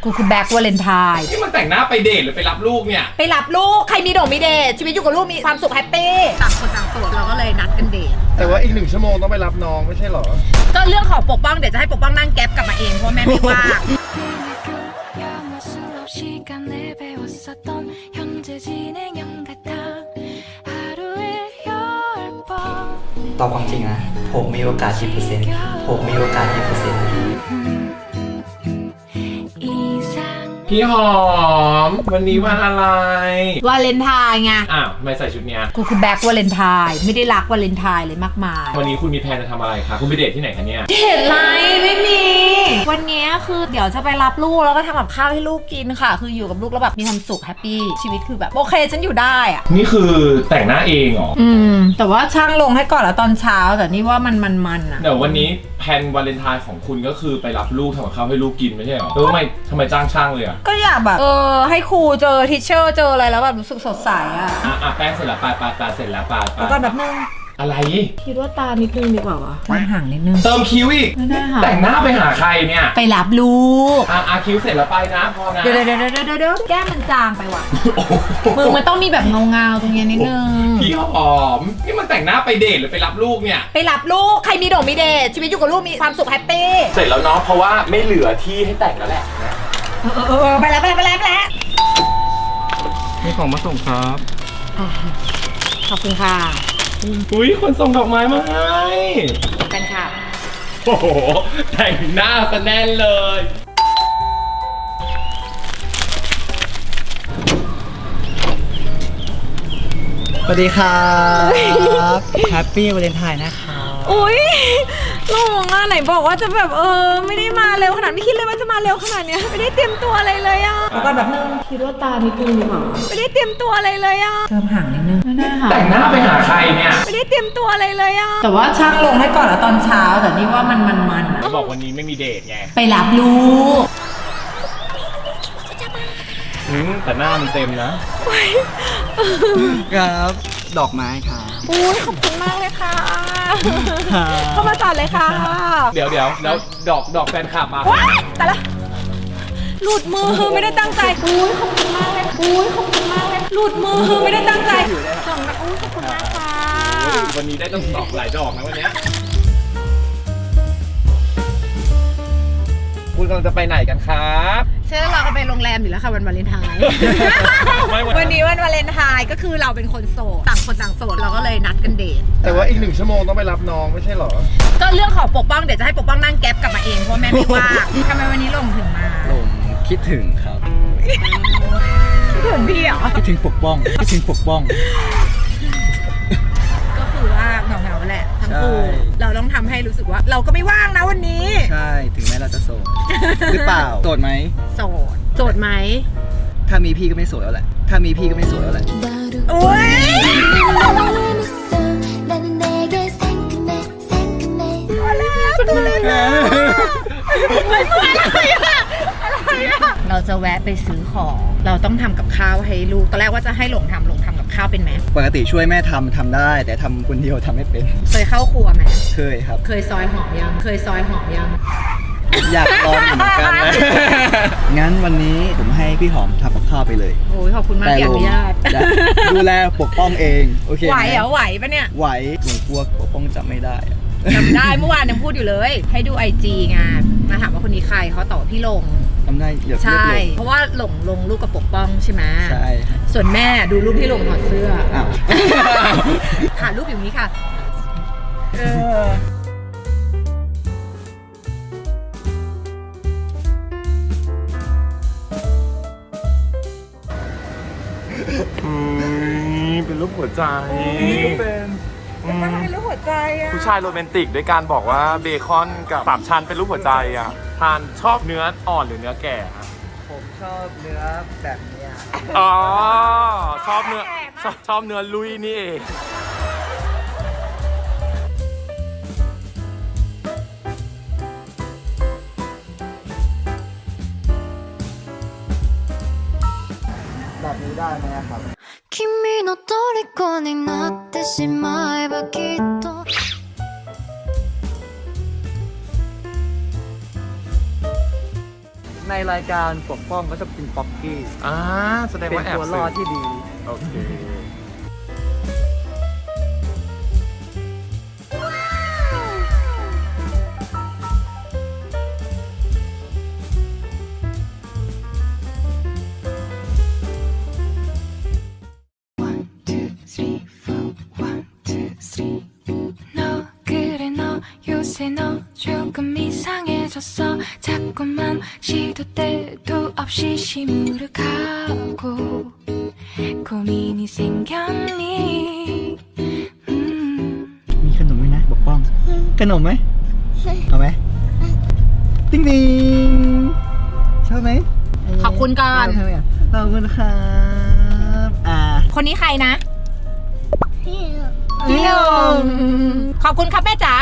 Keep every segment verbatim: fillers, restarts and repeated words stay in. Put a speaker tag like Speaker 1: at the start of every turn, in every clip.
Speaker 1: กูคือแบ็ควาเลนไทน์
Speaker 2: นี่มันแต่งหน้าไปเดทหรือไปรับลูกเนี่ย
Speaker 1: ไปรับลูกใครมีดอกมีเดทชีวิตอยู่กับลูกมีความสุขแฮปปี้ต่างคนต่างโสดเราก็เลยนัดกันเดท
Speaker 3: แต่ว่าอีกหนึ่งชั่วโมงต้องไปรับน้องไม่ใช่หรอ
Speaker 1: ก็เรื่องของปกป้องเดี๋ยวจะให้ปกป้องนั่งแก๊ปกลับมาเองเพราะแม่ไม่ว่าง
Speaker 4: ตอบความจริงนะผมมีโอกาสกี่เปอร์เซ็นต์ผมมีโอกาสกี่เปอร์เซ็นต์
Speaker 2: พี่หอมวันนี้วันอะไร
Speaker 1: วาเลนไทน์ไง
Speaker 2: อ้าวทำไมใส่ชุดเนี้ย
Speaker 1: กูคือแบ็ควาเลนไทน์ไม่ได้รักวาเลนไทน์เลยมากมาย
Speaker 2: วันนี้คุณมีแพลนจะทำอะไรคะคุณไปเดทที่ไหนคะเนี่ย
Speaker 1: เดทไรไม่มีวันนี้คือเดี๋ยวจะไปรับลูกแล้วก็ทำกับข้าวให้ลูกกินค่ะคืออยู่กับลูกแล้วแบบมีความสุขแฮปปี้ชีวิตคือแบบโอเคฉันอยู่ได้อะ
Speaker 2: นี่คือแต่งหน้าเองเหรอ
Speaker 1: อืมแต่ว่าช่างลงให้ก่อนแล้วตอนเช้าแต่นี่ว่ามันมันมันอะ
Speaker 2: เดี๋ยววันนี้แพลนวาเลนไทน์ของคุณก็คือไปรับลูกทำกับข้าวให้ลูกกินไม่ใช่เหรอแล้วทำไมทำไมจ้างช่างเลยอะ
Speaker 1: ก็อยากแบบเออให้ครูเจอทิชเชอร์เจออะไรแล้วแบบรู้สึกสดใสอะ
Speaker 2: อ่ะอ่ะแป้งเสร็จแล้วปลาปลาปลาเสร็จแล้วปลา
Speaker 1: แล้วก็แบบนึง
Speaker 2: อะไร
Speaker 1: คิดว่าตานิดนึงดีกว่าวะมันห่างนิดนึง
Speaker 2: เติมคิ้วอีก
Speaker 1: ไม่ได้ค่ะ
Speaker 2: แต่งหน้าไปหาใครเนี่ย
Speaker 1: ไปรับลูก
Speaker 2: อ่ะอ่ะคิ้วเสร็จแล้วไปนะพอนะ
Speaker 1: เดี๋ยวเดี๋ยวเดี๋ยวเดี๋ยวเดี๋ยวแก้มมันจางไปว่ะมือมันต้องมีแบบเงาเงาตรงนี้นิดนึง
Speaker 2: พี่หอมนี่มันแต่งหน้าไปเดทหรือไปรับลูกเนี่ย
Speaker 1: ไปรับลูกใครมีดอกมีเดทชีวิตอยู่กับลูกมีความสุขแฮปปี้
Speaker 2: เสร็จแล้วเนาะเพราะว่าไม่เหลือที่ให้แต่งแล้วแหละ
Speaker 1: เออเออไปแล้วไปแล้วไปแล้วไปแล้ว
Speaker 3: มีของมาส่งครับ
Speaker 1: ขอบคุณค่ะ
Speaker 2: อุ้ยคนส่งดอกไม้มาให้
Speaker 1: กันค่ะ
Speaker 2: โอ้โหแต่งหน้าซะแน่นเลย
Speaker 4: สวัสดีครับแฮปปี้วาเลนไทน์นะคะ
Speaker 1: อุ้ยหลงอ่ะไหนบอกว่าจะแบบเออไม่ได้มาเร็วขนาดไม่คิดเลยว่าจะมาเร็วขนาดเนี้ยไม่ได้เตรียมตัวอะไรเลยอ่ะแล้วก็แบบนึงคิดว่าตานิดนึงดีกว่าไม่ได้เตรียมตัวอะไรเลยอ่ะเติมห่างนิดนึงไม่ได้ค่ะ
Speaker 2: แต่งหน้าไปหาใครเนี่ย
Speaker 1: ไม่ได้เตรียมตัวอะไรเลยอ่ะแต่ว่าช่างลงให้ก่อนแล้วตอนเช้าแต่นี่ว่ามันมันมัน
Speaker 2: บอกวันนี้ไม่มีเดทไง
Speaker 1: ไปรับลูก
Speaker 2: อืมแต่หน้ามันเต็ม
Speaker 4: นะครับดอกไม้ค่ะ
Speaker 1: อุ้ยขอบคุณมากเลยค่ะเข้ามาจอดเลยค่ะ
Speaker 2: เดี๋ยวเดี๋ยวแล้วดอกดอกแฟนคลับมา
Speaker 1: แต่ละหลุดมือไม่ได้ตั้งใจอุ้ยขอบคุณมากเลยอุ้ยขอบคุณมากเลยหลุดมือไม่ได้ตั้งใจส่งนะอุ้ยขอบคุณมากค่ะ
Speaker 2: วันนี้ได้ต้องดอกหลายดอกนะวันนี้คุณกำลังจะไปไหนกันครับ
Speaker 1: ใช่เราก็ไปโรงแรมอยู่แล้วค่ะวันวาเลนไทน์วันนี้วันวาเลนไทน์ก็คือเราเป็นคนโสดต่างคนต่างโสดเราก็เลยนัดกันเดท
Speaker 3: แต่ว่าอีกหนึ่งชั่วโมงต้องไปรับน้องไม่ใช่หรอ
Speaker 1: ก็เรื่องของปกป้องเดี๋ยวจะให้ปกป้องนั่งแก๊ปกลับมาเองเพราะแม่ไม่ว่างทำไมวันนี้ลงถึงมา
Speaker 4: ลงคิดถึงครับ
Speaker 1: คิดถึงพี่เหรอ
Speaker 4: คิดถึงปกป้องคิดถึงปกป้อง
Speaker 1: ก็คือว่าเหงาๆแหละทั้งคู่เราต้องทำให้รู้สึกว่าเราก็ไม่ว่างนะวันนี้
Speaker 4: ใช่ถึงแม้เราจะโสดหรือเปล่าโสดไหม
Speaker 1: โสดโสดไหม
Speaker 4: ถ้ามีพี่ก็ไม่โสดแล้วแหละถ้ามีพี่ก็ไม่โสดแล้วแหละ
Speaker 1: โอ้ยตัวเล็กนะไม่เมื่อยอะไรอะอะไรอะเราจะแวะไปซื้อของเราต้องทำกับข้าวให้ลูกตอนแรกว่าจะให้หลงทำหลงทำกับข้าวเป็นไหม
Speaker 4: ปกติช่วยแม่ทำทำได้แต่ทำคนเดียวทำไม่เป็น
Speaker 1: เคยเข้าครัวไหม
Speaker 4: เคยครับ
Speaker 1: เคยซอยหอมยังเคยซอยหอมยัง
Speaker 4: อยากลองเหมือนกันนะงั้นวันนี้ผมให้พี่หอมทำกับข้าวไปเลย
Speaker 1: โอ้ยขอบคุณมากที่อนุญาต
Speaker 4: ดูแลปกป้องเองโอเค
Speaker 1: ไหวเหรอไหวปะเนี่ย
Speaker 4: ไหวหนูกลัวปกป้องจำไม่ได้
Speaker 1: จำได้เมื่อวานยังพูดอยู่เลยให้ดูไอจีไงมาถามว่าคนนี้ใครเขาตอบพี่ลง
Speaker 4: จำได้เดี๋ยว
Speaker 1: ใช่เพราะว่าหลงลงรูปกับปกป้องใช่ไหม
Speaker 4: ใช่
Speaker 1: ส่วนแม่ดูรูปที่ลงถอดเสื้อถ่ายรูปอย่างนี้ค่ะเออ
Speaker 2: เป็นรูปหัวใจ
Speaker 1: เป็นเป็นรูปหัวใจอ่ะ
Speaker 2: ผู้ชายโรแมนติกด้วยการบอกว่าเบคอนกับสามชั้นเป็นรูปหัวใจอ่ะทานชอบเนื้ออ่อนหรือเนื้อแก่
Speaker 4: ผมชอบเนื้อแบบนี้
Speaker 2: อ๋อชอบเนื้อชอบชอบเนื้อลุยนี่เอง
Speaker 4: แบบนี้ได้ไหมครับ
Speaker 5: 君の虜になってしまえばきっと
Speaker 4: ในรายการปกป้องก็จะเป็นป๊อกกี้
Speaker 2: อ่าแสดง
Speaker 4: เป็น
Speaker 2: ว่าแอบ
Speaker 4: ตัวร
Speaker 2: สื
Speaker 4: อบ ดที่ดี
Speaker 2: โอเค
Speaker 5: 너 그래 너 요새 너 조금 이상해졌어 자꾸만 시도 때도 없이 시무룩하고 고민이 생겼니 음.
Speaker 4: มีขนมไหมนะปกป้องขนมไหมเอาไหมติ๊งติ๊งชอบไหม
Speaker 1: ขอบคุณก่อน
Speaker 4: ได้ไหมอ่ะขอบคุณครับอ่า
Speaker 1: คนนี้ใครนะ
Speaker 4: พี่
Speaker 1: พี่ลงขอบคุณครับแม่จ๋า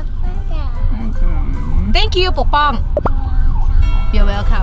Speaker 1: thank you ปกป้อง you're welcome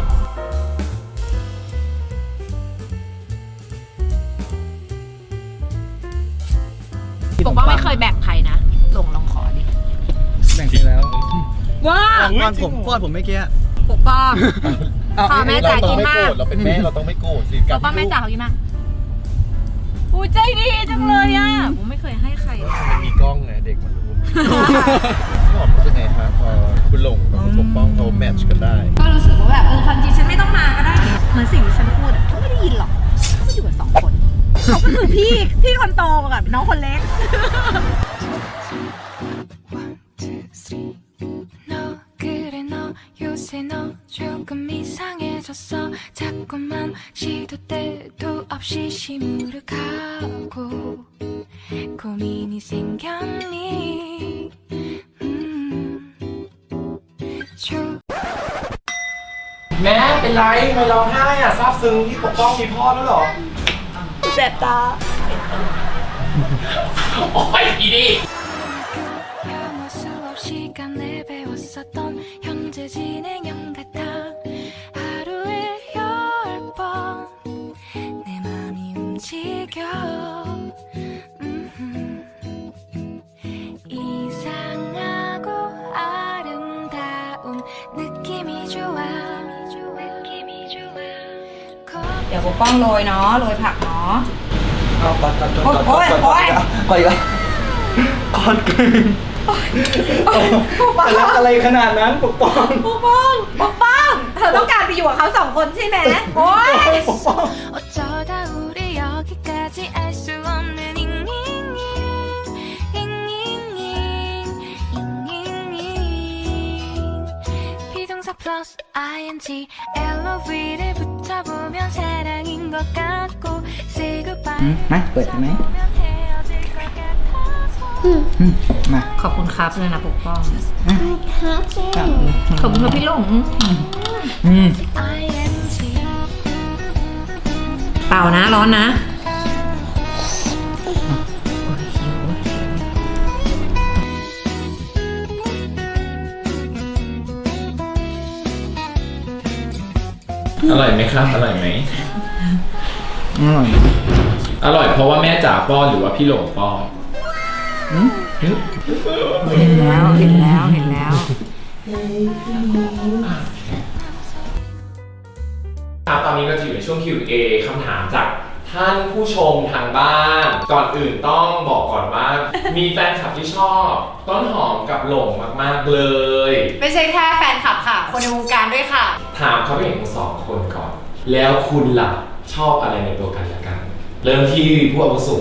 Speaker 1: ปกป้องไม่เคยแบ่งใครนะลงลองขอดิ
Speaker 4: แบ่งไปแล้ว
Speaker 1: ว้า
Speaker 4: ป้อนผมป้อนผมเมื่อกี้
Speaker 1: ปกป้อง ขอแม่จ๋ากินมาก
Speaker 2: เราเป็นแม่เราต้องไม่โกรธสิ
Speaker 1: ปกป้องแม่จ๋าเขากินมากอุ้ยใจดีจังเลยอ่ะผมไม่เคยให้ใครเลย
Speaker 3: มันมีกล้องไงเด็กมันรู้พี่หอมรู้สึกไงคะพอคุณหลงกับคุณปกป้องเขาแมทช์กันได้
Speaker 1: ก็รู้สึกว่าแบบเออความจริงฉันไม่ต้องมาก็ได้เหมือนสิ่งที่ฉันพูดอ่ะเขาไม่ได้ยินหรอกเขาก็อยู่กันสองคนเขาก็คือพี่พี่คนโตกับน้องคนเล็ก
Speaker 5: 너 그래 너 요새 너 조금 이상해졌어 자꾸만 시도 때도 없이 시무룩하고 고민이 생겼니 음. 조
Speaker 2: แม่เป็นไรทำไมร้องไห้อ่ะซาบซึ้งที่ปกป้องมีพ่อแล้วเหรอ
Speaker 1: แสบตา
Speaker 2: โอ้ยอีนี่
Speaker 5: 영어 수업 시간에 배웠었던 현재 진행형 같아 하루에 열 번 내 맘이 움직여 음흠. 이상하고 아름다운 느낌이 좋아 느낌이 좋아
Speaker 1: เดี๋ยวปกป้องโรยเนาะโรยผักเนาะ
Speaker 4: เอาก่อนก่อนก่อน
Speaker 1: โอ๊ยโอ๊ย
Speaker 4: ก่อนก่อนก่อนเกินจะรักอะไรขนาดนั้นปกป้อง
Speaker 1: ปกป้องปกป้องเธอต้องการไปอยู่กับเขาสองคนใช่ไหมโอ๊ย
Speaker 4: ปกป้อง
Speaker 5: 어쩌다 우리 여기까지 알 수 없는 잉잉잉 잉잉잉 잉잉잉 비동사 플러스 ing 엘오브이를 붙여보면 사랑인 것 같고 say goodbye
Speaker 4: มาเปิดใช่ไหม
Speaker 5: 보면 헤어질 것 같아서
Speaker 4: มา
Speaker 1: ขอบคุณครับเลยนะปกป้อง
Speaker 4: ครับ
Speaker 1: ขอบคุณครับพี่หลง
Speaker 4: อืม
Speaker 5: ing
Speaker 1: เปล่านะร้อนนะ
Speaker 2: อร่อยไหมครับอร่อยไหม
Speaker 4: อร่อย
Speaker 2: อร่อยเพราะว่าแม่จ๋าป้อนหรือว่าพี่หลงป้อน
Speaker 1: เห็นแล้วเห็นแล้วเห็นแล้ว
Speaker 2: ครับตอนนี้เราจะอยู่ในช่วง คิว เอ คำถามจากท่านผู้ชมทางบ้าน ก่อนอื่นต้องบอกก่อนว่า มีแฟนคลับที่ชอบต้นหอมกับหลงมากๆเลย
Speaker 1: ไม่ใช่แค่แฟนคลับค่ะ คนในวงการด้วยค่ะ
Speaker 2: ถามเขาเป็นทั้งสองคนก่อน แล้วคุณล่ะชอบอะไรในตัวกันและกัน เริ่มที่ผู้อาวุโส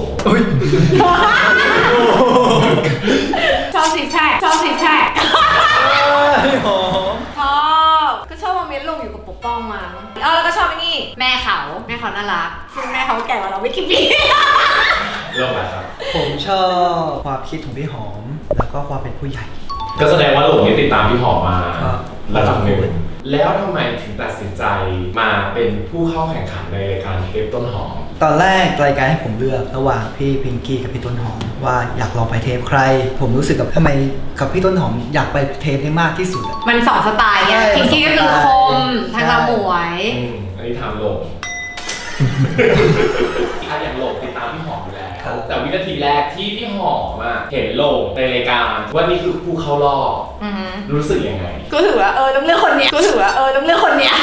Speaker 1: ชอบสิแช่ชอบสิแช่
Speaker 4: หอม
Speaker 1: ชอบก็ชอบมาเม้นลงอยู่กับปกป้องมั้งอ๋อแล้วก็ชอบไอ้นี่แม่เขาแม่เขาน่ารักซึ่งแม่เขาแก่กว่าเราไม่กี่ปี
Speaker 2: เริ่มอะไรครับ
Speaker 4: ผมชอบความคิดของพี่หอม แล้วก็ความเป็นผู้ใหญ่
Speaker 2: ก็แสดงว่าหลงนี่ติดตามพี่หอมมา
Speaker 4: ครับ
Speaker 2: ระดับหนึ่งแล้วทำไมถึงตัดสินใจมาเป็นผู้เข้าแข่งขันในรายการเทปต้นหอม
Speaker 4: ตอนแรกรายการให้ผมเลือกระหว่างพี่พิงกี้กับพี่ต้นหอมว่าอยากลองไปเทปใคร ผมรู้สึกกับทำไมกับพี่ต้นหอมอยากไปเทปนี้มากที่สุดอะ
Speaker 1: มันสองสไตล์ไง
Speaker 4: ใช่
Speaker 1: พิงกี้ก็คือคมทางเราหมวย
Speaker 2: อืมอันนี้ถามหลงถ้าอย่างโหลงติดตามพี่หอมอยู่แล้ว
Speaker 4: ครับ
Speaker 2: แต่วินาทีแรกที่พี่หอมอะเห็นโหลงในรายการว่านี่คือผู้เข้ารอบ
Speaker 1: อือฮึ
Speaker 2: รู้สึกยังไง
Speaker 1: ก็ถือว่าเออต้องเลือกคนเนี้ยก็ถือว่าเออต้องเลือกคนเนี้ย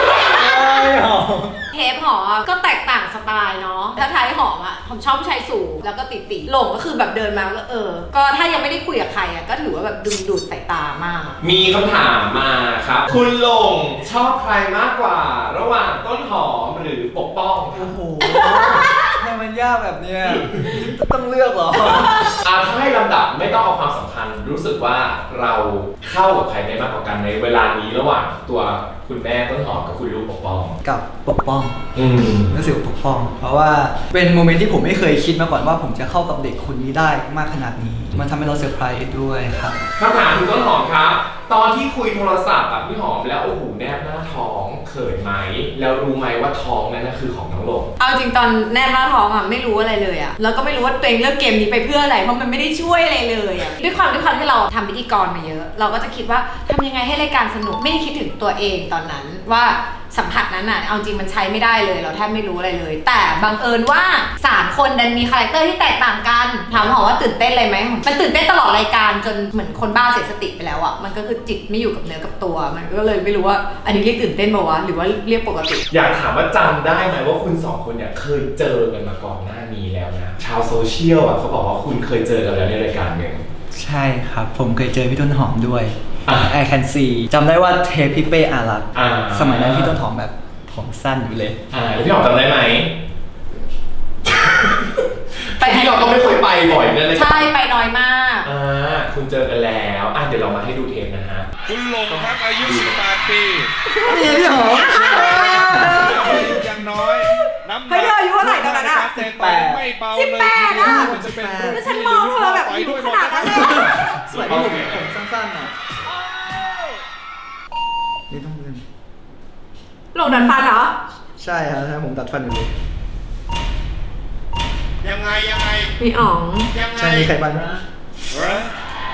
Speaker 1: เทปหอมก็แตกต่างสไตล์เนาะถ้าท้ายหอมอ่ะผมชอบผู้ชายสูงแล้วก็ติดติหลงก็คือแบบเดินมาก็เออ ก็ถ้ายังไม่ได้คุยกับใครอ่ะก็ถือว่าแบบดึงดูดสายตามาก
Speaker 2: มีคำถามมาครับ คุณหลงชอบใครมากกว่า ระหว่างต้นหอมหรือปกป้องครับ
Speaker 4: โอ้โหทำไมมันยากแบบเนี้ยต้องเลือกเหรอ
Speaker 2: อาถ้าให้ลำดับไม่ต้องเอาความสำคัญรู้สึกว่าเราเข้ากับใครได้มากกว่ากันในเวลานี้ระหว่างตัวคุณแม่ต้นหอมกับคุณลูกปกป้อง
Speaker 4: กับปกป้อง
Speaker 2: อืม
Speaker 4: รู้สึกปกป้อง เพราะว่าเป็นโมเมนต์ที่ผมไม่เคยคิดมาก่อนว่าผมจะเข้ากับเด็กคนนี้ได้มากขนาดนี้ มันทำให้เราเซอร์ไพรส์ด้วยครับ
Speaker 2: คำถามถึงต้นหอมครับ ตอนที่คุยโทรศัพท์กับพี่หอมแล้วโอ้โหแนบหน้าท้องเขินไหมแล้วรู้ไหมว่าท้องนั้นนะคือของน้องหลง
Speaker 1: เอาจริงตอนแนบหน้าท้องอ่ะไม่รู้อะไรเลยอ่ะแล้วก็ไม่รู้ว่าตัวเองเลือกเกมนี้ไปเพื่ออะไรเพราะมันไม่ได้ช่วยอะไรเลยอ่ะด้วยความด้วยความที่เราทำพิธีกรมาเยอะ เราก็จะคิดว่าทำยังไงให้รายการสนุกไม่ได้คิดถึงตัวเองตอนนั้นว่าสัมผัสนั้นอ่ะเอาจริงมันใช้ไม่ได้เลยเราแทบไม่รู้อะไรเลย แต่บังเอิญว่าสามคนดันมีคาแรคเตอร์ที่แตกต่างกันถามหอมว่าตื่นเต้นเลยไหมมันตื่นเต้นตลอดรายการจนเหมือนคนบ้าเสียสติไปแล้วอ่ะมันก็คือจิตไม่อยู่กับเนื้อกับตัว มันก็เลยไม่รู้ว่าอันนี้เรียกตื่นเต้นป่าวะหรือว่าเรียกปกติ
Speaker 2: อยากถามว่าจำได้ไหมว่าคุณสองคนเนี่ยเคยเจอกันมาก่อนหน้านี้แล้วนะชาวโซเชียลอ่ะเขาบอกว่าคุณเคยเจอกันแล้วในรายการหนึ่ง
Speaker 4: ใช่ครับ ผมเคยเจอพี่ต้นหอมด้วย
Speaker 2: อ่ะ
Speaker 4: I can see จำได้ว่าเทปพี่เป้อารักษ์
Speaker 2: อ่า
Speaker 4: สมัยนั้นพี่ต้นหอมแบบผมสั้นอยู่เลย
Speaker 2: อ่าแล้วพี่หอมจำได้ไหม
Speaker 1: ไป
Speaker 2: พี่เราก็ไม่ค่อยไปบ่อยนั่นเลย
Speaker 1: ใช่ไปน้อยมาก
Speaker 2: อ่าคุณเจอกันแล้วอ่ะเดี๋ยวเรามาให้ดูเทปนะฮะ
Speaker 6: คุณหลงครับอายุ สิบแปด ปี
Speaker 4: นี่พี่หอม
Speaker 6: ยังน้อยน้ำหนัก
Speaker 1: เฮ้ยเธออายุเท่าไหร่ตอนนั้นอะ
Speaker 6: สิบแปดไม่เบาเลย
Speaker 1: สิบแปด
Speaker 6: ทีเดียว
Speaker 1: อะ
Speaker 6: มันจะเป็น
Speaker 1: แล้วฉันมองเธอแบบอายุขนาดนั้นเลย
Speaker 4: สวยที่ผมผมสั้นๆอ่ะนี่ต้องเดิน
Speaker 1: หลงดันฟันเหรอ
Speaker 4: ใช่ครับใช่ผมตัดฟันอยู่เลย
Speaker 6: ยังไงยังไง
Speaker 1: มีอ๋อง
Speaker 6: ยังไง
Speaker 4: ใช่มีใครบ้างนะ
Speaker 6: เฮ้ย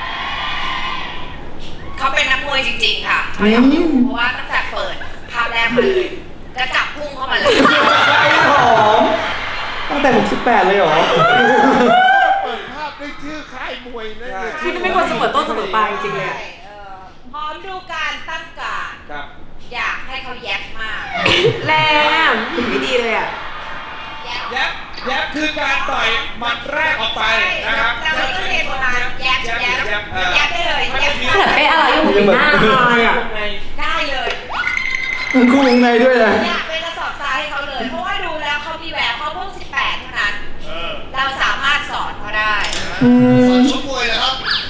Speaker 7: เขาเป็นนักมวยจริงๆค่ะเพราะว่าตั้งแต่เปิดภาพแรกมาเลยกระจับพุ่งเข้ามาเลย
Speaker 4: หอมตั้งแต่ผมสิบแปดเลยเหรอ
Speaker 6: เปิดภาพด้วยชื่อค่ายมวยนั่นเลย
Speaker 1: ที่ไม่ควรเสมอต้นเสมอปลายจริงๆเลยอะ
Speaker 7: เออพร้อมดูการตั้งการ
Speaker 6: ครับ
Speaker 7: อยากให้เขาแยบมาก
Speaker 1: แรงถึงไม่ดีเลยอ่ะ
Speaker 7: แยบ
Speaker 6: แยบแยบคือการต่อยหมัดแรกออกไปนะครับ
Speaker 7: เราไม่ต้องเรียนโบราณแยบแยบแยบแยบได้เลยแยบ
Speaker 1: ขนาดเป๊ะอะไรยังเป็นหน้าอายอ่ะ
Speaker 7: ได้เลย
Speaker 4: มันคู่วงในด้วยนะ
Speaker 7: อยากเป็นกระสอบทรายให้เขาเลย เพราะว่าดูแล้วเขามีแววเขาเพิ่งสิบแปดเท่านั้น
Speaker 6: เออ
Speaker 7: เราสามารถสอนเขาได้
Speaker 6: สอนชกมวยนะครับ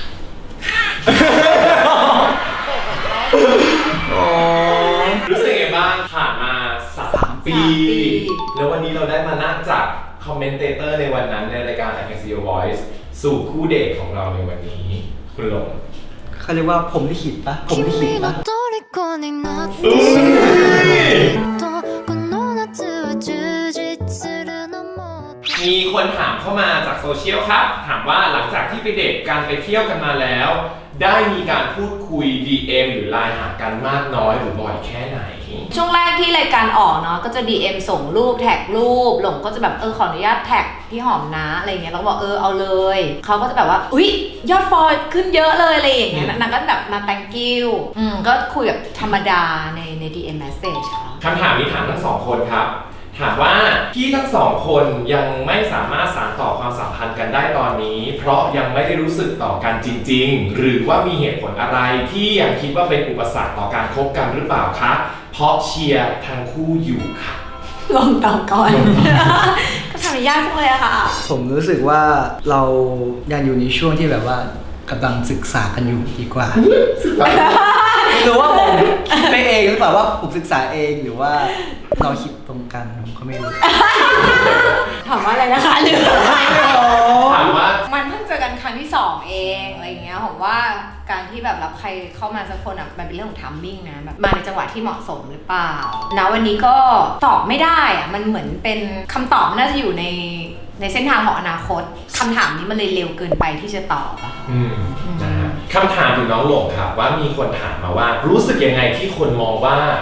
Speaker 2: รู้สึกไงบ้างผ่านมาสามปี
Speaker 1: สามปี
Speaker 2: แล้ววันนี้เราได้มานั่งจากคอมเมนเตเตอร์ในวันนั้นในรายการ I Can See Your Voice สู่คู่เดทของเราในวันนี้ คุณหลง
Speaker 4: เขาเรียกว่าผมลิขิตปะผมลิขิต
Speaker 5: 君の
Speaker 4: ปะ
Speaker 5: 虜になって
Speaker 2: อุ้ย
Speaker 5: とこの夏は充実するのも
Speaker 2: มีคนถามเข้ามาจากโซเชียลครับ ถามว่าหลังจากที่ไปเดทกันไปเที่ยวกันมาแล้ว ได้มีการพูดคุย ดี เอ็ม หรือไลน์หากันมากน้อยหรือบ่อยแค่ไหน
Speaker 1: ช่วงแรกที่รายการออกเนาะก็จะ ดี เอ็ม ส่งรูปแท็กรูปหลงก็จะแบบเออขออนุญาตแท็กพี่หอมนะอะไรเงี้ยแล้วก็บอกเออเอาเลยเขาก็จะแบบว่าอุ๊ยยอดฟอลขึ้นเยอะเลยอะไรอย่างเงี้ยนางก็แบบมา thank you อืมก็คุยแบบธรรมดาในใน ดี เอ็ม message ค่ะ
Speaker 2: คำถามนี้ถามทั้งสองคนครับ ถามว่าที่ทั้งสองคนยังไม่สามารถสานต่อความสัมพันธ์กันได้ตอนนี้ เพราะยังไม่ได้รู้สึกต่อกันจริงๆ หรือว่ามีเหตุผลอะไรที่ยังคิดว่าเป็นอุปสรรคต่อการคบกันหรือเปล่าคะเพราะเชียร์ทั้งคู่อยู่ค่ะ
Speaker 1: ลงต่อก่อน ก็ทำยากจังเลยอะค่ะ
Speaker 4: ผมรู้สึกว่าเรายังอยู่ในช่วงที่แบบว่ากำลังศึกษากันอยู่ดีกว่า หรือว่าผมคิดไปเองหรือเปล่าว่าผมศึกษาเองหรือว่าเราคิดตรงกันผมก็ไม่รู้
Speaker 1: ถามว่าอะไรนะคะหรือ
Speaker 2: ถามว่า
Speaker 1: มันเพิ่งเจอกันครั้งที่สองเองอะไรอย่างเงี้ยผมว่าการที่แบบรับใครเข้ามาสักคนอ่ะมันเป็นเรื่องของทัมมิ่งนะแบบมาในจังหวะที่เหมาะสมหรือเปล่าณวันนี้ก็ตอบไม่ได้อ่ะมันเหมือนเป็นคำตอบน่าจะอยู่ในในเส้นทางของอนาคตคำถามนี้มันเลยเร็วเกินไปที่จะตอบอะค่ะ
Speaker 2: อืมนะฮะคำถามถึงน้องหลงครับว่ามีคนถามมาว่า รู้สึกยังไงที่คนมองว่า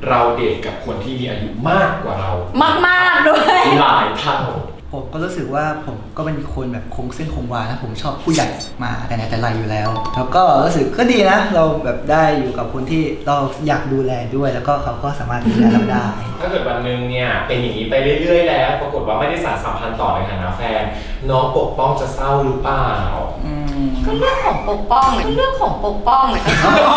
Speaker 2: เราเดทกับคนที่มีอายุมากกว่าเรา
Speaker 1: มากๆด้วย
Speaker 2: หลายเท่า
Speaker 4: ผมก็รู้สึกว่าผมก็เป็นคนแบบคงเส้นคงวานะผมชอบผู้ใหญ่มาแต่ไหนแต่ไรอยู่แล้ว แล้วก็รู้สึกก็ดีนะ เราแบบได้อยู่กับคนที่เราอยากดูแลด้วย แล้วก็เขาก็สามารถดูแลเราได้
Speaker 2: ถ้าเกิดวันหนึ่งเนี่ยเป็นอย่างนี้ไปเรื่อยๆแล้วปรากฏว่าไม่ได้สานสัมพันธ์ต่อในฐานะแฟน น้องปกป้องจะเศร้าหรือเปล่า
Speaker 4: อืม
Speaker 7: ก็เรื่องของปกป้องเลยก็เรื่องของปกป้องเลย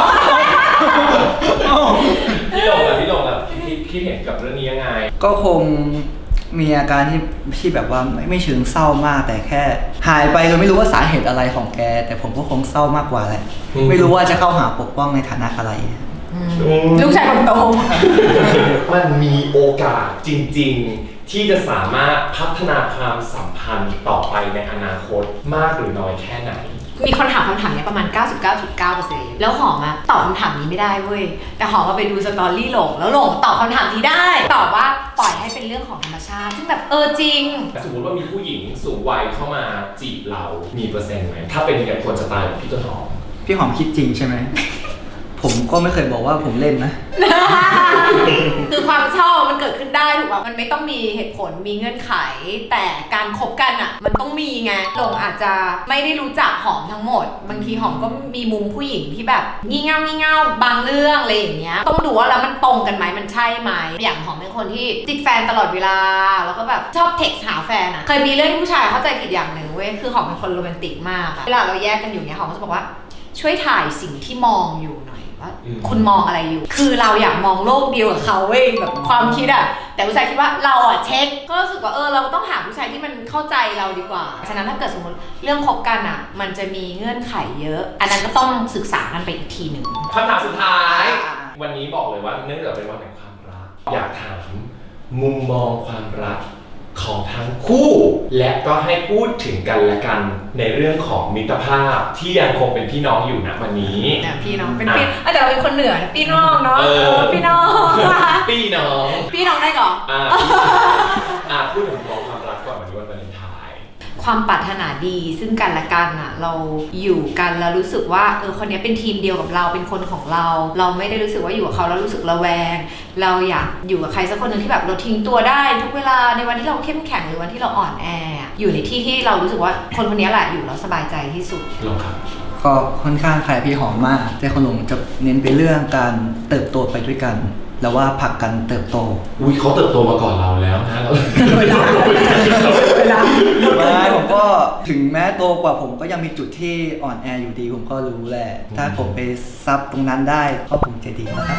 Speaker 2: พี่หลงอะพี่หลงอะคิดคิดเห็นกับเรื่องนี้ยังไง
Speaker 4: ก็คงมีอาการที่ที่แบบว่าไม่ไม่เชิงเศร้ามาก แต่แค่หายไปโดยไม่รู้ว่าสาเหตุอะไรของแก แต่ผมก็คงเศร้ามากกว่าแหละ
Speaker 2: อืม
Speaker 4: ไม่รู้ว่าจะเข้าหาปกป้องในฐานะอะไร
Speaker 1: ลูกชายคนโต
Speaker 2: มันมีโอกาสจริงๆ ที่จะสามารถพัฒนาความสัมพันธ์ต่อไปในอนาคตมากหรือน้อยแค่ไหน
Speaker 7: มีคนถามคำถามนี้ประมาณ เก้าสิบเก้าจุดเก้าเปอร์เซ็นต์ แล้วหอมอะตอบคำถามนี้ไม่ได้เว้ย แต่หอมมาไปดูสตอรี่หลงแล้วหลงตอบคำถามนี้ได้ ตอบว่าปล่อยให้เป็นเรื่องของธรรมชาติซึ่งแบบเออจริง
Speaker 2: สมมติว่ามีผู้หญิงสูงวัยเข้ามาจีบเรา มีเปอร์เซ็นต์ไหม ถ้าเป็นแบบคนสไตล์แบบพี่ต้นหอม
Speaker 4: พี่หอมคิดจริงใช่ไหม ผมก็ไม่เคยบอกว่าผมเล่นนะ
Speaker 7: คือความชอบมันเกิดขึ้นได้ถูกป่ะมันไม่ต้องมีเหตุผลมีเงื่อนไข แต่การคบกันอ่ะมันต้องมีไงหลงอาจจะไม่ได้รู้จักหอมทั้งหมด บางทีหอมก็มีมุมผู้หญิงที่แบบงี่เง่างี่เง่าบางเรื่องอะไรอย่างเงี้ยต้องดูว่าแล้วมันตรงกันไหมมันใช่ไหมอย่างหอมเป็นคนที่ติดแฟนตลอดเวลาแล้วก็แบบชอบเท็กซ์หาแฟนอ่ะเคยมีเรื่องที่ผู้ชายเข้าใจผิดอย่างหนึ่งเว้ยคือหอมเป็นคนโรแมนติกมากอะเวลาเราแยกกันอยู่เนี้ยหอมก็จะบอกว่าช่วยถ่ายสิ่งที่มองอยู่หน่อยว่า
Speaker 2: อืม
Speaker 7: คุณมองอะไรอยู่ คือเราอยากมองโลกเดียวกับเขาเว้ยแบบความคิดอะแต่ผู้ชายคิดว่าเราอะเช็คก็รู้สึกว่าเออเราต้องหาผู้ชายที่มันเข้าใจเราดีกว่าฉะนั้นถ้าเกิดสมมติเรื่องคบกันอะมันจะมีเงื่อนไขเยอะ อันนั้นก็ต้องศึกษากันไปอีกทีหนึ่ง
Speaker 2: คำถามสุดท้าย วันนี้บอกเลยว่าเนื่องจากเป็นวันแห่งความรัก อยากถามมุมมองความรักของทั้งคู่ และก็ให้พูดถึงกันและกันในเรื่องของมิตรภาพที่ยังคงเป็นพี่น้องอยู่ณวันนี้
Speaker 7: เนี่ยพี่น้องเป็นพี่อ่ะแต่เราเป็นคนเหนือนะพี่น้องเนาะ
Speaker 2: เออ
Speaker 7: เออพี่น้อง
Speaker 2: พี่น้อง
Speaker 7: พี่น้องได้ก่อน
Speaker 2: อ่าอ่าพูดถึงมุมมองความรักก่อนวันนี้วันวาเลนไทน์
Speaker 7: ความปรารถนาดีซึ่งกันและกันอ่ะเราอยู่กันแล้วรู้สึกว่าเออคนนี้เป็นทีมเดียวกับเราเป็นคนของเรา เราไม่ได้รู้สึกว่าอยู่กับเขาแล้วรู้สึกระแวง เราอยากอยู่กับใครสักคนหนึ่งที่แบบเราทิ้งตัวได้ทุกเวลาในวันที่เราเข้มแข็งหรือวันที่เราอ่อนแออยู่ในที่ที่เรารู้สึกว่าคนคนนี้แหละอยู่แล้วสบายใจที่สุด
Speaker 2: ลองครับ
Speaker 4: ก็ค่อนข้างคล้ายพี่หอมมาก แต่คนหลงจะเน้นไปเรื่องการเติบโตไปด้วยกัน แล้วว่าผลักกันเติบโต
Speaker 2: อุ้ยเขาเติบโตมาก่อนเราแล้วนะเรา
Speaker 1: เวลาเวลา
Speaker 4: ไม่ผมก็ถึงแม้โตกว่าผมก็ยังมีจุดที่อ่อนแออยู่ดีผมก็รู้แหละ ถ้าผมไปซับตรงนั้นได้ก็คงจะดีนะครับ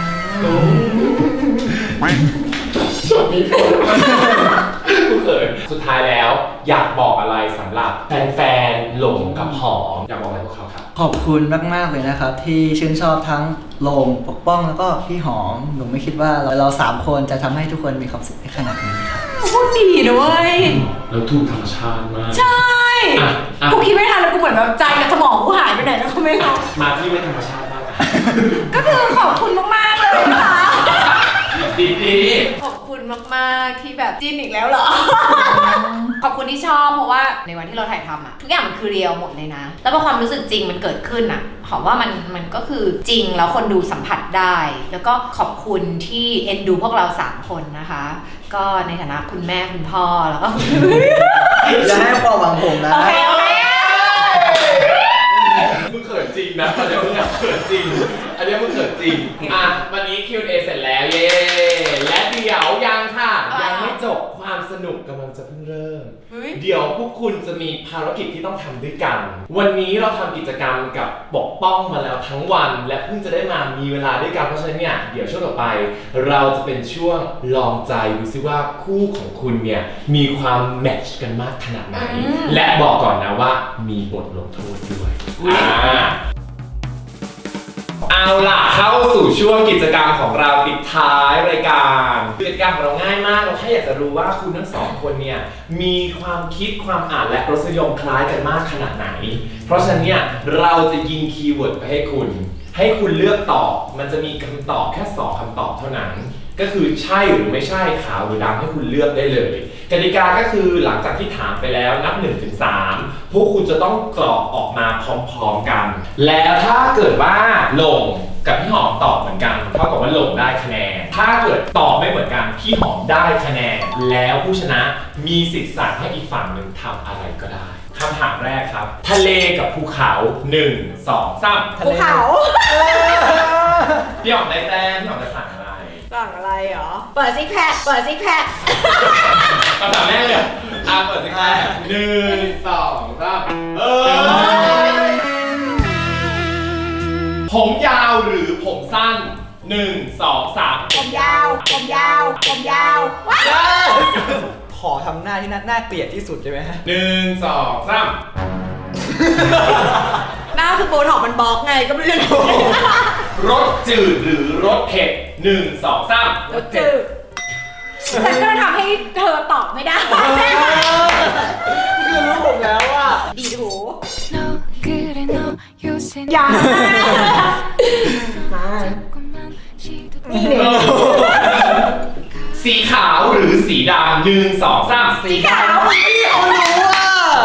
Speaker 2: จบมีผลกูเขินสุดท้ายแล้วอยากบอกอะไรสำหรับแฟนๆหลงกับหอมอยากบอกอะไรพวกเขาครับ
Speaker 4: ขอบคุณมากๆเลยนะครับ ที่ชื่นชอบทั้งโลงปกป้องแล้วก็พี่หอมหนูไม่คิดว่าเราเราสามคนจะทำให้ทุกคนมีความสุขได้ขนาดนี้ครับ
Speaker 7: พูดดีด้วย
Speaker 2: แล้วทุ่มธรรมชาติมาก
Speaker 7: ใช่
Speaker 2: อ่ะอ่ะ
Speaker 7: กูคิดไม่ทันแล้วกูเหมือนแบบใจกับสมองกูหายไปไหนแล้วก็ไม่รู้
Speaker 2: มาที่ไม่ธรรมชาติบ้างอ่ะ
Speaker 7: ก็คือขอบคุณมากๆเลยนะคะ
Speaker 2: ดีดี
Speaker 7: ขอบคุณมากๆที่แบบจิ้นอีกแล้วเหรอ ขอบคุณที่ชอบเพราะว่าในวันที่เราถ่ายทำอะทุกอย่างมันคือเรียลหมดเลยนะ แล้วพอความรู้สึกจริงมันเกิดขึ้นอะหอมว่ามันมันก็คือจริงแล้วคนดูสัมผัสได้ แล้วก็ขอบคุณที่เอ็นดูพวกเราสามคนนะคะ ก็ในฐานะคุณแม่คุณพ่อแล้วก็
Speaker 4: อย่าให้ความหวังผมนะ
Speaker 7: โอเคโอเค
Speaker 2: มึงเขินจริงนะตอนนี้มึงอยากเขินจริง อันนี้มึงเขินจริง อ่ะ วันนี้ คิว แอนด์ เอ เสร็จแล้วเย้ และเดี๋ยวยังค่ะ ยังไม่จบความสนุกกำลังจะเพิ่งเริ่ม เดี๋ยวพวกคุณจะมีภารกิจที่ต้องทำด้วยกัน วันนี้เราทำกิจกรรมกับปกป้องมาแล้วทั้งวัน และเพิ่งจะได้มามีเวลาด้วยกัน เพราะฉะนั้นเนี่ย เดี๋ยวช่วงต่อไป เราจะเป็นช่วงลองใจดูซิว่าคู่ของคุณเนี่ยมีความแมทช์กันมากขนาดไหน และบอกก่อนนะว่ามีบทลงโทษด้วยอ่า เอาล่ะเข้าสู่ช่วงกิจกรรมของเราปิดท้ายรายการกิจกรรมของเราง่ายมากเราแค่อยากจะรู้ว่าคุณทั้งสองคนเนี่ยมีความคิดความอ่านและรสนิยมคล้ายกันมากขนาดไหน เพราะฉะนั้นเนี่ยเราจะยิงคีย์เวิร์ดไปให้คุณให้คุณเลือกตอบมันจะมีคำตอบแค่สองคำตอบเท่านั้นก็คือใช่หรือไม่ใช่ขาวหรือดำให้คุณเลือกได้เลยกติกาก็คือหลังจากที่ถามไปแล้วนับ หนึ่งถึงสาม พวกคุณจะต้องกรอกออกมาพร้อมๆกันแล้วถ้าเกิดว่าหลงกับพี่หอมตอบเหมือนกันเท่ากับว่าหลงได้คะแนนถ้าถ้าเกิดตอบไม่เหมือนกันพี่หอมได้คะแนนแล้วผู้ชนะมีสิทธิ์สั่งให้อีกฝั่งหนึ่งทำอะไรก็ได้คำถามแรกครับทะเลกับภูเขาหนึ่งสองสาม
Speaker 1: ภูเขา
Speaker 2: พี่หอมได้แต้มพี่หอมจะสั่งอะไร
Speaker 1: สั่งอะไรเหรอ เปิดซิกแพค เปิดซิกแพค
Speaker 2: คำถามแรกเลยอ่ะเปิดสิครับหนึ่งสองสามเออผมยาวหรือผมสั้นหนึ่งสองสาม
Speaker 1: ผมยาว ผมยาว ผมยาวว้าว
Speaker 4: ขอทำหน้าที่น่าน่าเกลียดที่สุดใช่ไหมฮะ
Speaker 2: หนึ่งสองสาม
Speaker 1: หน้าคือโบท็อกมันบล็อกไงก็ไม่รู้
Speaker 2: รสจืดหรือรสเผ็ดหนึ่งสองสาม
Speaker 1: รถจืดฉันก็ทำให้เธอตอบไม่ได้
Speaker 4: คือรู้ผมแล้วว่า
Speaker 1: ดีหู
Speaker 5: 너 그래 너 요새
Speaker 1: อย่า
Speaker 5: 조금만 시도
Speaker 1: นี่เลย
Speaker 2: สีขาวหรือสีดำหนึ่งสองสาม
Speaker 1: สีขาว
Speaker 4: เขารู้ว่า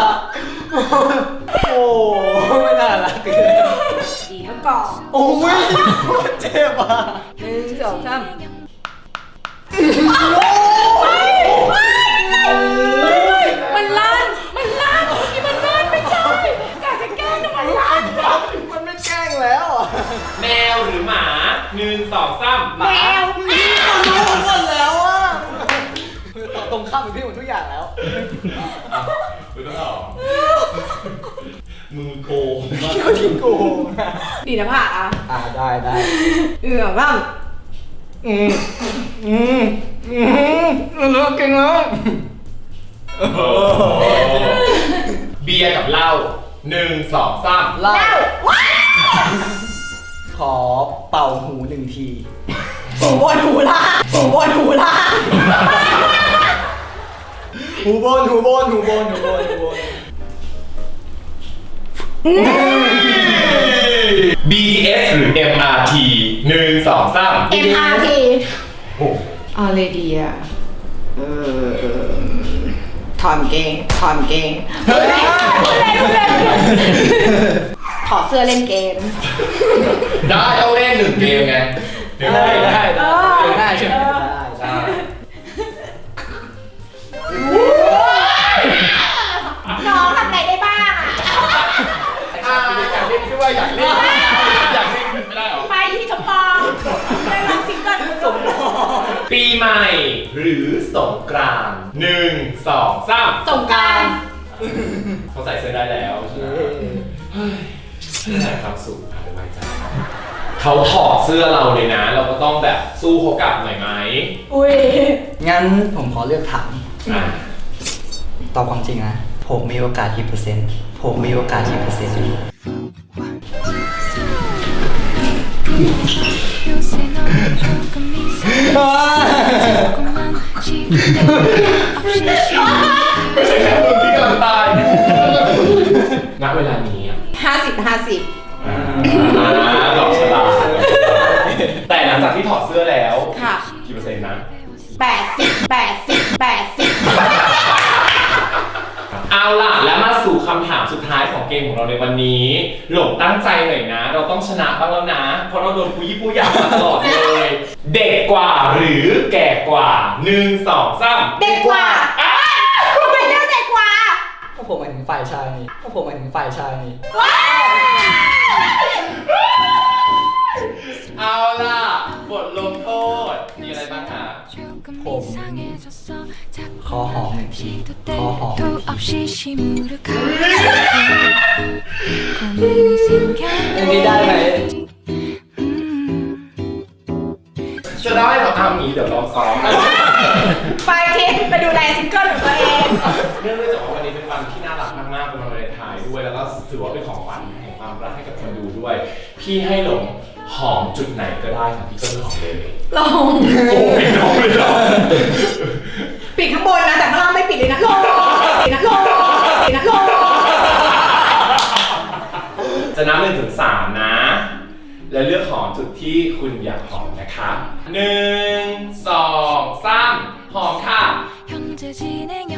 Speaker 4: โอ้ไม่น่ารักเลย
Speaker 1: ดีเมื่อก่อน
Speaker 4: โอ้ยโคตรเจ็บอ่ะ
Speaker 1: หนึ่งสองสามมันลั่น มันลั่นนี่มันลั่นไม่ใช่กาจะแกล้งทำไมลั่น
Speaker 4: มันไม่แกล้งแล้วอ่ะ
Speaker 2: แมวหรือหมาหนึ่งสองสาม
Speaker 1: แมว
Speaker 4: เขารู้หมดแล้วอ่ะตรงข้ามกับพี่หมดทุกอย่างแล้ว
Speaker 2: ไม่ต้องตอบมือโกง
Speaker 4: เขาทิ้งกู
Speaker 1: ดีนะผ่าอ่ะ
Speaker 4: อ่าได้ได้
Speaker 1: เออบ้าง
Speaker 4: อืมอืมอืมเลิกเก่งแล้ว
Speaker 2: เบียร์กับเหล้าหนึ่งสองสาม
Speaker 4: เล่าขอเป่าหูหนึ่งที
Speaker 1: หูบนหูล่างหูบนหูล่าง
Speaker 4: หูบนหูบนหูบนหูบนหูบน
Speaker 2: บี ที เอส หรือ เอ็ม อาร์ ที หนึ่งสองสาม
Speaker 1: เอ็มอาร์ที
Speaker 2: โอ้
Speaker 1: อะไรดีอ่ะเออถอนเกงถอนเกงเฮ้ยพูดเล่นพูดเล่นขอเสื้อเล่นเกม
Speaker 2: ได้ต้องเล่นหนึ่งเกมไงเดี๋ยว
Speaker 4: ได้
Speaker 2: เล่น
Speaker 4: ได้
Speaker 1: เอ
Speaker 4: ได้
Speaker 1: อ
Speaker 4: ได้ใช่ไหมได้ใช่
Speaker 1: น้องทำอะไรได้บ้างอ่ะ
Speaker 2: อ่าอยากเล่นด้วยอยากเล่นอยากเล่นไม่ได้หรอ
Speaker 1: ไปที่สปองได้ลองซิงเกิลสม
Speaker 2: ปีใหม่หรือสงกรานต์หนึ่งสองสาม
Speaker 1: สงกรานต์
Speaker 2: เขาใส่เสื้อได้แล้วใช่ไหมเฮ้ยแต่ความสุขอาจจะไว้ใจเขาถอดเสื้อเราเลยนะ เราก็ต้องแบบสู้เขากลับหน่อยไหม
Speaker 1: อุ้ย
Speaker 4: งั้นผมขอเลือกถาม
Speaker 2: อ่ะ
Speaker 4: ตอบความจริงนะ ผมมีโอกาสกี่เปอร์เซ็นต์ ผมมีโอกาสกี่เปอร์เซ็นต์
Speaker 5: 요새 너 조금 이상해 조금만 시도 없이
Speaker 2: ไม่ใช่แค่มึงที่กำลังตาย ณ เวลานี้อ่ะ
Speaker 1: ห้าสิบห้าสิบ
Speaker 2: อ่าดอกฉลากแต่หลังจากที่ถอดเสื้อแล้ว
Speaker 1: ค่ะ
Speaker 2: กี่เปอร์เซ็นต์นะ
Speaker 1: แปดสิบแปดสิบแปดสิบ
Speaker 2: เอาล่ะ และมาสู่คำถามสุดท้ายของเกมของเราในวันนี้ หลงตั้งใจหน่อยนะ เราต้องชนะบ้างแล้วนะ เพราะเราโดนปุยปุยยามาตลอดเลย เด็กกว่าหรือแก่กว่าหนึ่งสองสาม
Speaker 1: เด็กกว่าทำไมเลือกเด็กกว่า
Speaker 4: ก็ผมหมายถึงฝ่ายชายนี่ก็ผมหมายถึงฝ่ายชายนี่
Speaker 2: เอาล่ะ บทลงโทษ มีอะไรบ้างคะ
Speaker 5: 조금
Speaker 4: 봄.
Speaker 5: 이상해졌어 자꾸
Speaker 4: 커허.
Speaker 5: 말할 시도 때도
Speaker 4: 커허.
Speaker 5: 없이 시무룩하고 고민이 생겼네
Speaker 4: อย่างนี้ได้ไหม
Speaker 5: 음.
Speaker 2: จะได้เหรออ้าวนี้เดี๋ยวลองซ้อมนะ
Speaker 1: ไปทิปไปดูแลซิงเกิลของตัวเอง
Speaker 2: เนื่องด้วยจากว่าวันนี้เป็นวันที่น่ารักมากๆเป็นวันวาเลนไทน์ด้วย แล้วก็ถือว่าเป็นของขวัญแห่งความรักให้กับคนดูด้วย พี่ให้หลงหอมจุดไหนก็ได้ของพี่ก็คือหอมเลย
Speaker 1: ลง
Speaker 2: โอ้ยน้องเลยเหรอ
Speaker 1: ปิดข้างบนนะ แต่ข้างล่างไม่ปิดเลยนะลงปิดนะลงปิดนะลง
Speaker 2: จะนับหนึ่งถึงสามนะ และเลือกหอมจุดที่คุณอยากหอมนะคะหนึ่งสองสามหอมค่ะ
Speaker 5: 현재 진행